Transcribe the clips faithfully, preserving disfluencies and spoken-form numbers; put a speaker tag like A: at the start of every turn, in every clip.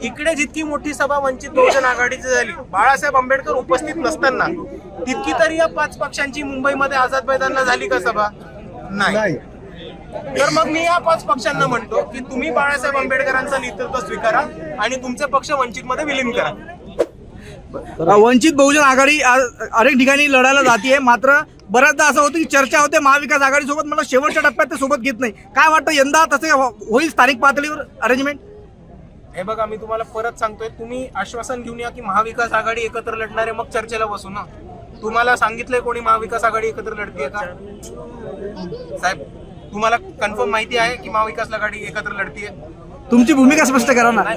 A: इकडे जितकी मोठी सभा वंचित बहुजन आघाडीची झाली बाळासाहेब आंबेडकर उपस्थित नसताना, तितकी तरी या पाच पक्षांची मुंबईमध्ये आझाद मैदानला झाली का सभा? नाही. तर मग मी या पाच पक्षांना म्हणतो की तुम्ही बाळासाहेब आंबेडकरांचं नेतृत्व स्वीकारा आणि तुमचे पक्ष वंचित मध्ये विलीन करा.
B: वंचित बहुजन आघाडी अनेक ठिकाणी लढायला जाते, मात्र बऱ्याचदा असं होतं की चर्चा होते महाविकास आघाडी सोबत, मला शेवटच्या टप्प्यात ते सोबत घेत नाही. काय वाटतं यंदा तसे होईल स्थानिक पातळीवर अरेंजमेंट?
A: हे बघा, मी तुम्हाला परत सांगतोय, तुम्ही आश्वासन घेऊन या की महाविकास आघाडी एकत्र लढणारे, मग चर्चेला बसू ना. तुम्हाला सांगितलंय कोणी महाविकास आघाडी एकत्र लढतीये का? साहेब, तुम्हाला कन्फर्म माहिती आहे की महाविकास आघाडी एकत्र लढतीये?
B: तुमची भूमिका स्पष्ट करा ना.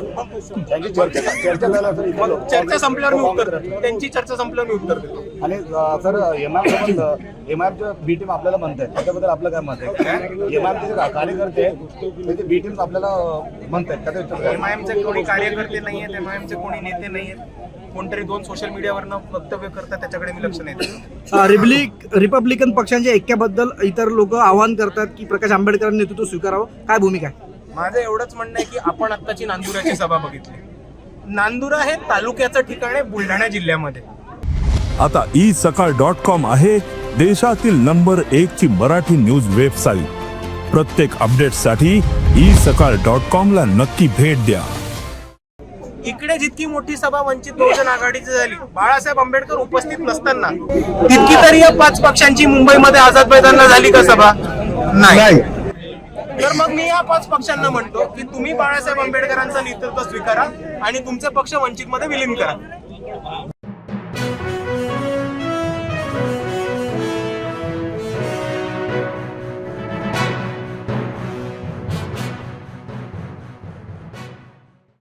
A: चर्चा संपल्यावर मी उत्तर देतो. त्यांची चर्चा संपल्यावर मी उत्तर देतो.
C: आणि सर एमआयएम एमआयएमच्या बी टीम आपल्याला म्हणताय, त्याच्याबद्दल आपलं काय मत आहे? एमआयएमचे जे कार्यकर्ते ते बी टीम आपल्याला म्हणतायत,
A: एमआयएमचे कोणी कार्यकर्ते नाहीयेत, एमआयएमचे कोणी नेते नाहीयेत. कोणतरी दोन सोशल मीडियावरनं वक्तव्य करतात, त्याच्याकडे मी लक्ष नाही देत.
B: रिपब्लिक रिपब्लिकन पक्षांच्या ऐक्याबद्दल इतर लोक आवाहन करतात की प्रकाश आंबेडकरांनी नेतृत्व स्वीकारावं, काय भूमिका आहे?
A: माझं एवढंच म्हणणं आहे की आपण आत्ताची नांदुराची सभा बघितली. नांदुरा हे तालुक्याचं ठिकाण आहे बुलढाणा जिल्ह्यामध्ये.
D: आता ई सकाळ डॉट कॉम आहे देशातील नंबर एक ची मराठी न्यूज वेबसाईट. प्रत्येक अपडेटसाठी ई सकाळ डॉट कॉम ला नक्की भेट द्या.
A: इकडे जितकी मोठी सभा वंचित बहुजन आघाडीची झाली बाळासाहेब आंबेडकर उपस्थित नसताना, तितकी तरी या पाच पक्षांची मुंबईमध्ये आझाद मैदानला झाली का सभा? नाही. तर मग मी या पाच पक्षांना म्हणतो की तुम्ही बाळासाहेब आंबेडकरांचं नेतृत्व स्वीकारा आणि तुमचे पक्ष वंचित मध्ये विलीन करा.